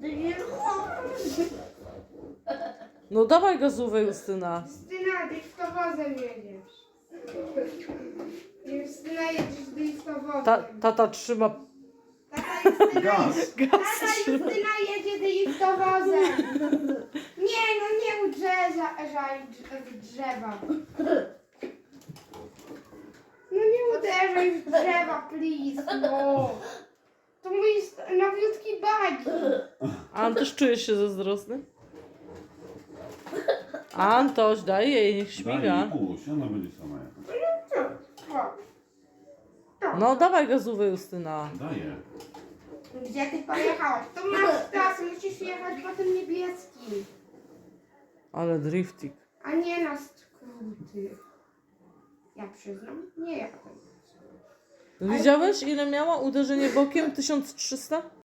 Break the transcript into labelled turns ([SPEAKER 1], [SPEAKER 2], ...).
[SPEAKER 1] No dawaj gazówę, Justyna.
[SPEAKER 2] Justyna, dyktowozem jedziesz. Justyna, jedziesz dyktowozem.
[SPEAKER 1] Tata trzyma
[SPEAKER 2] Tata Justyna,
[SPEAKER 3] Gaz.
[SPEAKER 2] Tata Justyna jedzie dyktowozem. Nie, no nie uderzaj w drzewa. No nie uderzaj w drzewa, please, no. To mój nowiutki bagi.
[SPEAKER 1] Antoś, czujesz się zazdrosny? Antoś, daj jej, niech
[SPEAKER 3] Daj
[SPEAKER 1] śmiga.
[SPEAKER 3] jej puść, ona będzie sama jechać.
[SPEAKER 1] No dawaj gazówę, Justyna.
[SPEAKER 3] Daję.
[SPEAKER 2] Gdzie ty pojechałeś? To masz teraz, musisz jechać po tym niebieskim,
[SPEAKER 1] Ale driftik.
[SPEAKER 2] a nie na skróty. Ja przyznam, nie jadę.
[SPEAKER 1] Widziałeś, ile miała uderzenie bokiem? 1300?